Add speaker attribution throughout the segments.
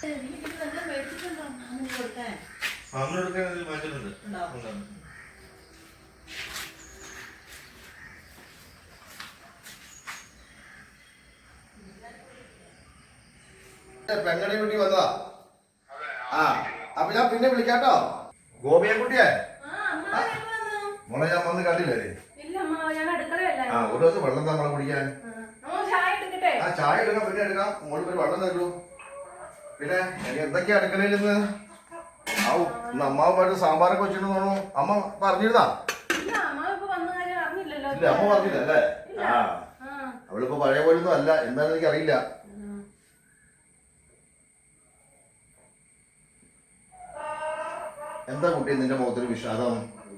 Speaker 1: പെങ്ങടെ വീട്ടിൽ വന്നതാ. ആ അപ്പൊ ഞാൻ പിന്നെ വിളിക്കാട്ടോ. ഗോപിയെ കുട്ടിയെ മോളെ ഞാൻ വന്ന് കണ്ടില്ലേ? ആ ഒരു ദിവസം വെള്ളം നമ്മളെ കുടിക്കാൻ. ആ ചായ എടുക്കാം, പിന്നെ എടുക്കാം. മോള് ഒരു വെള്ളം തരൂ. പിന്നെ എന്തൊക്കെയാ അടുക്കളയിൽ നിന്ന്? ഇന്ന് അമ്മാവുമായിട്ട് സാമ്പാറൊക്കെ വെച്ചിട്ട് തോന്നുന്നു. അമ്മ പറഞ്ഞിരുന്നാ? ഇല്ല അമ്മ പറഞ്ഞില്ല അല്ലേ? ആ അവളിപ്പോ പഴയ പോലൊന്നും അല്ല. എന്താണെന്ന് എനിക്ക് അറിയില്ല. എന്താ കുട്ടി നിന്റെ മുഖത്തൊരു വിഷാദം?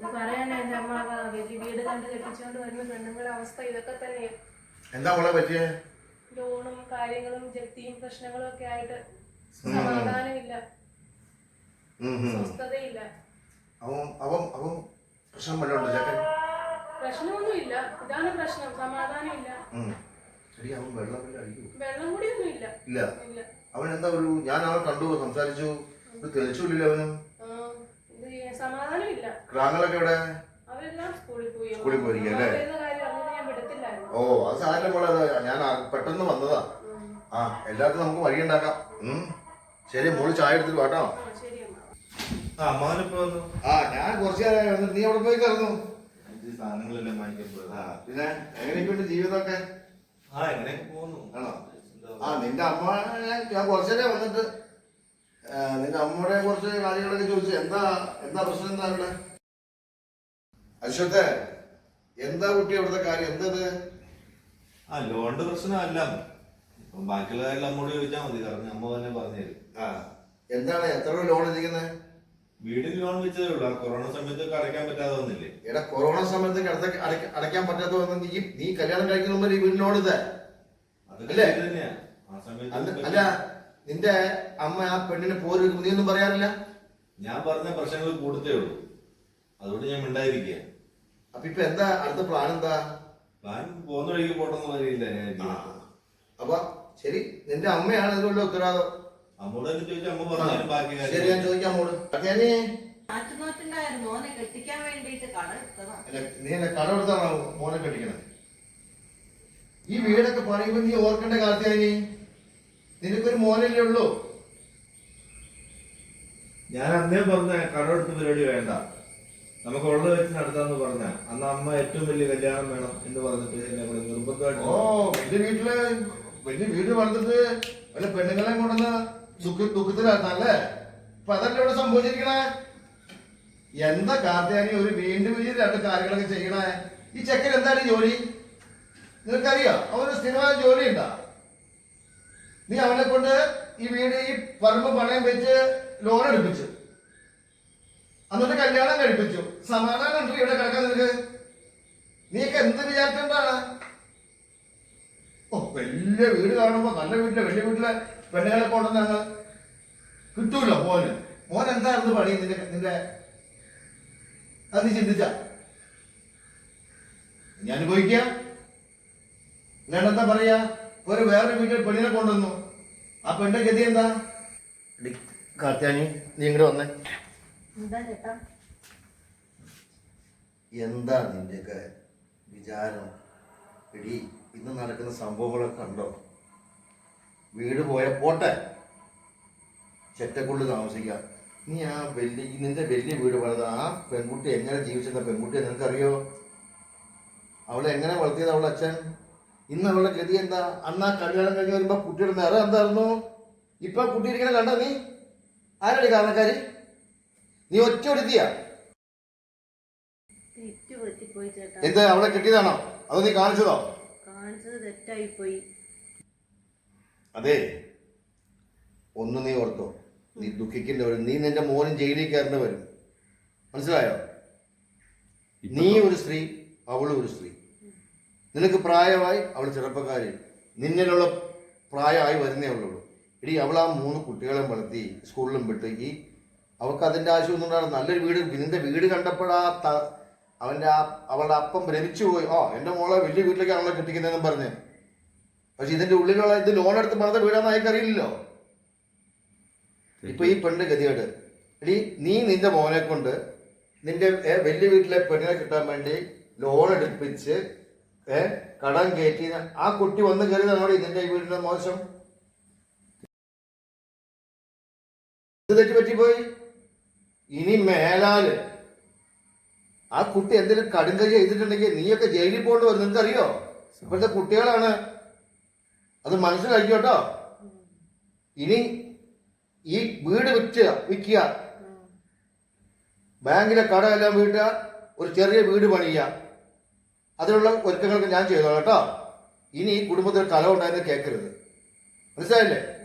Speaker 1: എന്താ മോളെ പറ്റിയേ?
Speaker 2: ലോണും കാര്യങ്ങളും ജപ്തിയും പ്രശ്നങ്ങളും ഒക്കെ ആയിട്ട് സമാധാനമില്ല, സ്വസ്ഥതയില്ല. പ്രശ്നമൊന്നുമില്ല, ഇതാണ് പ്രശ്നം, സമാധാനമില്ല. വെള്ളം കൂടിയൊന്നും ഇല്ല.
Speaker 1: അവൻ എന്താ ഒരു ഞാൻ അവൻ കണ്ടു, സംസാരിച്ചു, തെളിച്ചില്ല. അവനും
Speaker 2: സമാധാനമില്ല.
Speaker 1: ക്രാങ്ങളൊക്കെ എവിടെ?
Speaker 2: അവരെല്ലാം സ്കൂളിൽ പോയി.
Speaker 1: പോയിരിക്കല്ലേ? ഓ അത് സാധനം പോലെ ഞാൻ പെട്ടെന്ന് വന്നതാ. ആ എല്ലാത്തിനും നമുക്ക് വഴി ഉണ്ടാക്കാം. ശരി മോള് ചായ എടുത്തിട്ട് വാട്ടോ. ആ ഞാൻ കുറച്ചു നേരം വന്നിട്ട് നീ അവിടെ പോയി കറന്നു
Speaker 3: സാധനങ്ങളെല്ലാം
Speaker 1: പിന്നെ എങ്ങനെയൊക്കെയുണ്ട് ജീവിതമൊക്കെ?
Speaker 3: ആണോ?
Speaker 1: ആ നിന്റെ അമ്മ ഞാൻ കുറച്ചു നേരം വന്നിട്ട് നിന്റെ അമ്മയുടെ കുറച്ച് കാര്യങ്ങളൊക്കെ ചോദിച്ചു. എന്താ പ്രശ്നം? എന്താ ഇവിടെ അശ്വത്തെ? എന്താ കുട്ടി അവിടുത്തെ കാര്യം? എന്തത്?
Speaker 3: ലോണിന്റെ പ്രശ്നമല്ല, ബാക്കിയുള്ള കാര്യം അമ്മോട് ചോദിച്ചാൽ മതി. കാരണം അമ്മ തന്നെ പറഞ്ഞുതരും.
Speaker 1: എന്താണ്? എത്ര ലോൺ ഇരിക്കുന്നത്?
Speaker 3: വീടിന് ലോൺ വെച്ചതേ ഉള്ളൂ. കൊറോണ സമയത്തൊക്കെ അടയ്ക്കാൻ പറ്റാതെ വന്നില്ലേ?
Speaker 1: എടാ കൊറോണ സമയത്ത് അടയ്ക്കാൻ പറ്റാത്ത വന്ന നീ കല്യാണം കഴിക്കുന്ന മുമ്പ് ഈ വീട് ലോൺ ഇതേ
Speaker 3: തന്നെയാ. ആ സമയത്ത്
Speaker 1: അല്ല നിന്റെ അമ്മ ആ പെണ്ണിനെ പോരും നീ ഒന്നും പറയാറില്ല?
Speaker 3: ഞാൻ പറഞ്ഞ പ്രശ്നങ്ങൾ കൂടത്തേ ഉള്ളൂ, അതുകൊണ്ട് ഞാൻ മിണ്ടായിരിക്കുക.
Speaker 1: അപ്പൊ ഇപ്പൊ എന്താ അടുത്ത പ്ലാൻ? എന്താ
Speaker 3: പ്ലാൻ? പോകുന്ന വഴിക്ക് പോട്ടെന്ന് പറയില്ല.
Speaker 1: അപ്പൊ ശരി, നിന്റെ അമ്മയാണ് ഇതിനുള്ള ഉത്തരവാദിത്വം.
Speaker 3: അമ്മോട് ചോദിച്ചാൽ അമ്മ പറഞ്ഞു ബാക്കി കാര്യം.
Speaker 1: ശരി ഞാൻ ചോദിക്കാം അമ്മോട്. നീ എന്നെ കട എടുത്താണോ മോനെ കെട്ടിക്കണത്? ഈ വീടൊക്കെ പണിയുമ്പോ നീ ഓർക്കേണ്ട കാലത്തായി. നിനക്കൊരു മോനല്ലേ ഉള്ളൂ.
Speaker 3: ഞാൻ അന്നേ പറഞ്ഞ കടമെടുത്ത് പരിപാടി വേണ്ട, നമുക്ക് ഉള്ളത് വെച്ച് നടത്താന്ന് പറഞ്ഞ അന്ന് അമ്മ ഏറ്റവും വലിയ കല്യാണം വേണം എന്ന് പറഞ്ഞിട്ട് എന്നെ കൂടെ നിർബന്ധമായിട്ട്.
Speaker 1: ഓ വലിയ വീട് വളർത്തിട്ട് വല്ല പെണ്ണുങ്ങളെ കൊണ്ടുവന്ന് ദുഃഖത്തിലായിരുന്നല്ലേ? അപ്പൊ അതല്ലേ ഇവിടെ സംഭവിച്ചിരിക്കണേ? എന്താ കാർത്തിയാനി ഒരു വീണ്ടും രണ്ട് കാര്യങ്ങളൊക്കെ ചെയ്യണേ? ഈ ചെക്കൻ എന്താണ് ജോലി നിനക്കറിയോ? അവന് സ്ഥിരമായ ജോലി ഉണ്ടാ? നീ അവനെ കൊണ്ട് ഈ വീട് ഈ പറമ്പ് പണയം വെച്ച് ലോൺ എടുപ്പിച്ചു, എന്നിട്ട് കല്യാണം കഴിപ്പിച്ചു. സമാധാനം ഉണ്ട് ഇവിടെ കിടക്കാൻ നിനക്ക്? നീയൊക്കെ എന്ത് വിചാരിച്ചിട്ടാണ്? ഓ വലിയ വീട് കാണുമ്പോ നല്ല വീട്ടിലെ വലിയ വീട്ടിലെ പെണ്ണുങ്ങളെ കൊണ്ടുവന്നാണ് കിട്ടൂല്ലോ മോൻ എന്തായിരുന്നു പണി നിന്റെ? അത് നീ ചിന്തിച്ച ഞാൻ അനുഭവിക്കാം. ഞാനെന്താ പറയാ? ഒരു വേറൊരു വീട്ടിൽ പെണ്ണിനെ കൊണ്ടുവന്നു, ആ പെണ്ണിന്റെ ഗതി എന്താ? കാർത്യാനി നീ ഇങ്ങോട്ട് വന്നേ. എന്താ നിന്റെയൊക്കെ വിചാരം? എടി ഇന്ന് നടക്കുന്ന സംഭവങ്ങളൊക്കെ കണ്ടോ? വീട് പോയ പോട്ടെ, ചെറ്റക്കുള്ളിൽ താമസിക്കാം. നീ ആ നിന്റെ വലിയ വീട് പണിത് ആ പെൺകുട്ടി എങ്ങനെ ജീവിച്ചിരുന്ന പെൺകുട്ടിയെ നിനക്കറിയോ? അവളെ എങ്ങനെ വളർത്തിയത് അവളുടെ അച്ഛൻ? ഇന്ന് അവളുടെ ഗതി എന്താ? അന്ന് ആ കല്യാണം കഴിഞ്ഞ് വരുമ്പോ കുട്ടിയുടെ നിറം എന്തായിരുന്നു? ഇപ്പൊ കുട്ടി ഇരിക്കണ കണ്ട നീ? ആരടി കാരണക്കാരി? നീ ഒറ്റ എടുത്തിയാ? എന്ത് അവളെ കിട്ടിയതാണോ അതോ നീ കാണിച്ചതോ? അതെ, ഒന്ന് നീ ഓർത്തോ, നീ ദുഃഖിക്കേണ്ടി വരും. നീ നിന്റെ മോനും ജയിലിൽ കയറേണ്ടി വരും. മനസ്സിലായോ? നീ ഒരു സ്ത്രീ, അവളും ഒരു സ്ത്രീ. നിനക്ക് പ്രായമായി, അവൾ ചെറുപ്പക്കാരി. നിന്നിലുള്ള പ്രായമായി വരുന്നേ ഉള്ളൂ. ഇടി അവൾ ആ 3 കുട്ടികളെ വളർത്തി സ്കൂളിലും വിട്ട് അവൾക്ക് അതിൻ്റെ ആവശ്യമൊന്നും ഉണ്ടാകും. നല്ലൊരു വീട്, നിന്റെ വീട് കണ്ടപ്പോഴാ അവളുടെ അപ്പം ഭ്രമിച്ചു പോയി. എൻ്റെ മോളെ വലിയ വീട്ടിലേക്കാണല്ലോ കെട്ടിക്കുന്നതെന്ന് പറഞ്ഞ്. പക്ഷെ ഇതിന്റെ ഉള്ളിലുള്ള ഇത് ലോൺ എടുത്ത് പണിത വീടാന്ന് അയക്കറിയില്ലല്ലോ. ഇപ്പൊ ഈ പെണ്ണ് ഗതികേട്. എടി നീ നിന്റെ മോനെ കൊണ്ട് നിന്റെ വലിയ വീട്ടിലെ പെണ്ണിനെ കിട്ടാൻ വേണ്ടി ലോൺ എടുപ്പിച്ച് കടം കയറ്റി ആ കുട്ടി വന്ന് കയറിയതാണോ നിന്റെ ഈ വീടിന്റെ മോശം? ഇത് തെറ്റി പറ്റിപ്പോയി. ഇനി മേലാല് ആ കുട്ടി എന്തെങ്കിലും കടുങ്കൈ ചെയ്തിട്ടുണ്ടെങ്കിൽ നീയൊക്കെ ജയിലിൽ പോകേണ്ടി വരും. നിനക്കറിയോ? ഇപ്പോഴത്തെ കുട്ടികളാണ്, അത് മനസ്സിലാക്കിയോട്ടോ. ഇനി ഈ വീട് വിൽക്കുക, ബാങ്കിലെ കടമെല്ലാം വീട്ടുക, ഒരു ചെറിയ വീട് പണിയുക, അതിനുള്ള ഒരുക്കങ്ങൾക്ക് ഞാൻ ചെയ്തോളാം കേട്ടോ. ഇനി ഈ കുടുംബത്തിൽ കലം ഉണ്ടായെന്ന് കേൾക്കരുത്. മനസ്സിലായില്ലേ?